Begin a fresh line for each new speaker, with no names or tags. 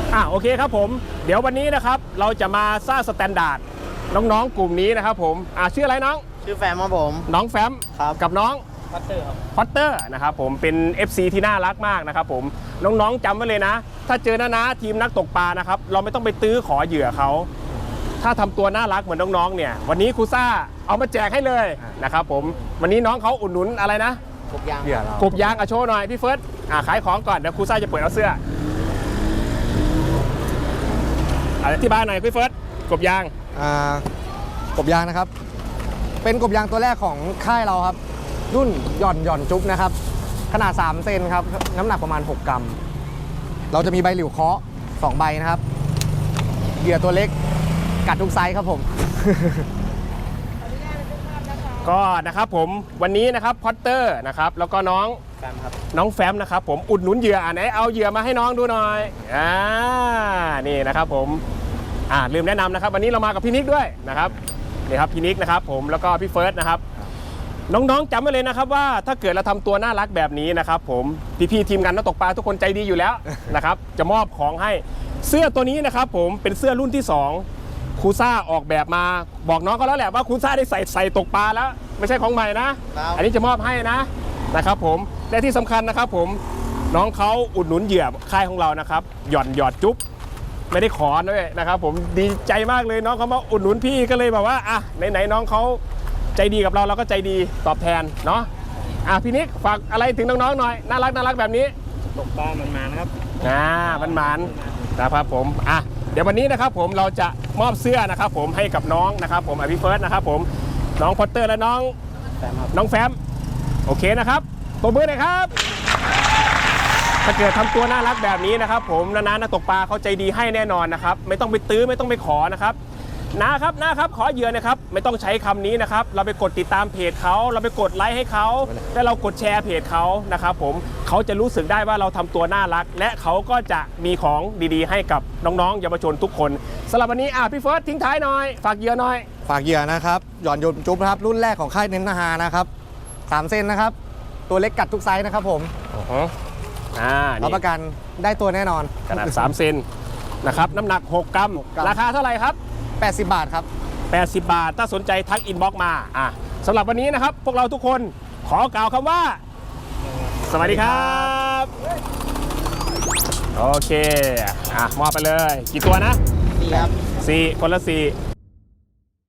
โอเคครับผมเดี๋ยววันนี้นะครับเราจะมาสร้างสแตนดาร์ดน้องๆกลุ่มนี้นะครับผมชื่ออะไรน้อง
ชื่อแฟมครับผม
น้องแฟม
ครับ
กับน้อง
พอตเตอร์ครับ
พอตเตอร์นะครับผมเป็น FC ที่น่ารักมากนะครับผมน้องๆจำไว้เลยนะถ้าเจอนะทีมนักตกปลานะครับเราไม่ต้องไปตื้อขอเหยื่อเขาถ้าทำตัวน่ารักเหมือนน้องๆเนี่ยวันนี้ครูซ่าเอามาแจกให้เลยนะครับผมวันนี้น้องเขาอุดหนุนอะไรนะ
กบยาง
กบยางโชว์หน่อยพี่เฟิร์สขายของก่อนเดี๋ยวครูซ่าจะเปิดเอาเสื้ออธิบายหน่อยพี่เฟิร์สกบยาง
กบยางนะครับเป็นกบยางตัวแรกของค่ายเราครับรุ่นหย่อนจุ๊บนะครับขนาด3เซนครับน้ำหนักประมาณ6กรัมเราจะมีใบหลิวเคาะ2ใบนะครับเหยื่อตัวเล็กกัดทุกไซส์ครับผม
ก็นะครับผมวันนี้นะครับพอตเตอร์นะครับแล้วก็น้อง
แฟมครับ
น้องแฟมนะครับผมอุดหนุนเหยื่อไหนเอาเหยื่อมาให้น้องดูหน่อยนี่นะครับผมลืมแนะนำนะครับวันนี้เรามากับพี่นิกด้วยนะครับนี่ครับพี่นิกนะครับผมแล้วก็พี่เฟิร์สนะครับน้องๆจำไว้เลยนะครับว่าถ้าเกิดเราทำตัวน่ารักแบบนี้นะครับผมพี่ทีมงานนักตกปลาทุกคนใจดีอยู่แล้วนะครับจะมอบของให้เสื้อตัวนี้นะครับผมเป็นเสื้อรุ่นที่2ครูซ่าออกแบบมาบอกน้องเขาแล้วแหละว่าครูซ่าได้ใส่ตกปลาแล้วไม่ใช่ของใหม่นะอันนี้จะมอบให้นะครับผมและที่สำคัญนะครับผมน้องเขาอุดหนุนเหยื่อค่ายของเรานะครับหยอดจุ๊บไม่ได้ขอด้วยนะครับผมดีใจมากเลยน้องเขามาอุดหนุนพี่ก็เลยแบบว่าไหนน้องเขาใจดีกับเราก็ใจดีตอบแทนเนาะพี่นิกฝากอะไรถึงน้องๆหน่อยน่ารักแบบนี้
ตกปลามันนะครับ
มันนะครับผมเดี๋ยววันนี้นะครับผมเราจะมอบเสื้อนะครับผมให้กับน้องนะครับผมพี่เฟิร์สนะครับผมน้องพอตเตอร์และน้องแฟมโอเคนะครับตบมือหน่อยครับถ้าเกิดทำตัวน่ารักแบบนี้นะครับผมนักตกปลาเขาใจดีให้แน่นอนนะครับไม่ต้องไปตื้อไม่ต้องไปขอนะครับนะครับขอเหยื่อนะครับไม่ต้องใช้คำนี้นะครับเราไปกดติดตามเพจเขาเราไปกดไลค์ให้เขาและเรากดแชร์เพจเขานะครับผมเขาจะรู้สึกได้ว่าเราทำตัวน่ารักและเขาก็จะมีของดีๆให้กับน้องๆเยาวชนทุกคนสำหรับวันนี้พี่เฟิร์สทิ้งท้ายหน่อยฝากเหยื่อหน่อย
ฝากเหยื่อนะครับหย่อนจุ๊บนะครับรุ่นแรกของค่ายเน้นนาฮานะครับ3เซนนะครับตัวเล็กกัดทุกไซส์นะครับผมรับประกันได้ตัวแน่นอน
ขนาด3เซนนะครับน้ำหนัก6กรัมราคาเท่าไหร่ครับ
80 บาทครับ
80 บาทถ้าสนใจทักอินบ็อกซ์มาสำหรับวันนี้นะครับพวกเราทุกคนขอกล่าวคำว่าสวัสดีครับโอเคมอบไปเลยกี่ตัวนะ
4ครับ
4คนละ4